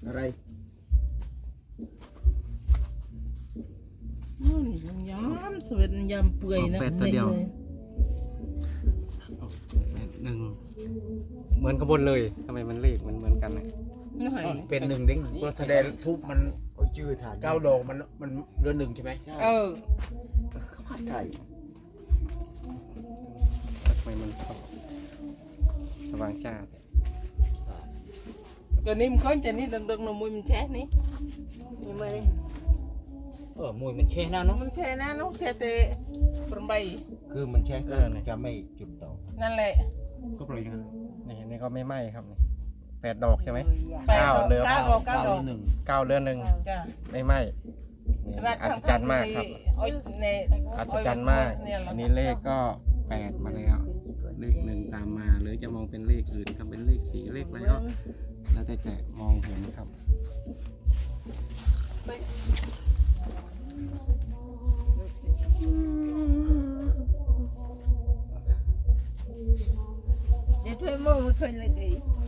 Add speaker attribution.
Speaker 1: อะไร
Speaker 2: มันย้อมสวยยำเปื่อยนะ
Speaker 3: เป็ดตัวเดียวหนึ่งเหมือนขบวนเลยทำไมมันเลขมันเหมือนกันเนี่ย
Speaker 1: เป็นหนึ่งดิ้งเพราะแสดงทุบมันชื่อฐาน9 ดอกมันเรือนหนึ่งใช่ไหมใช่
Speaker 3: ทำไมมันสว่างจ้า
Speaker 2: cái nim có cho ní đừng đừng là mùi mình chết ní nhưng mà
Speaker 4: มวยมันแช่หน้าเนาะ
Speaker 2: mình chết nó chết tệ phần bay
Speaker 1: คือมันแช่ก็จะไม่จุดต่อ
Speaker 2: นั่นแหละ
Speaker 1: ก็ปล่อยอย่างนั้น
Speaker 3: นี่ก็ไม่ไหม้ครับนี่8 ดอกใช่ไหม
Speaker 2: 9 ดอก
Speaker 1: 9
Speaker 2: 9 ดอก
Speaker 1: หนึ่ง
Speaker 3: 9 เดือนหนึ่ง
Speaker 2: จ้ะ
Speaker 3: ไม่ไหม้นี่อัศจรรย์มากครับอัศจรรย์มากอันนี้เลขก็8มาแล้วเลข1ตามมาหรือจะมองเป็นเลขอื่นครับเป็นเลข4เลขอะไรก็แล้วแต่จะมองเห็นครับ
Speaker 2: để thuê mua một khơi là gì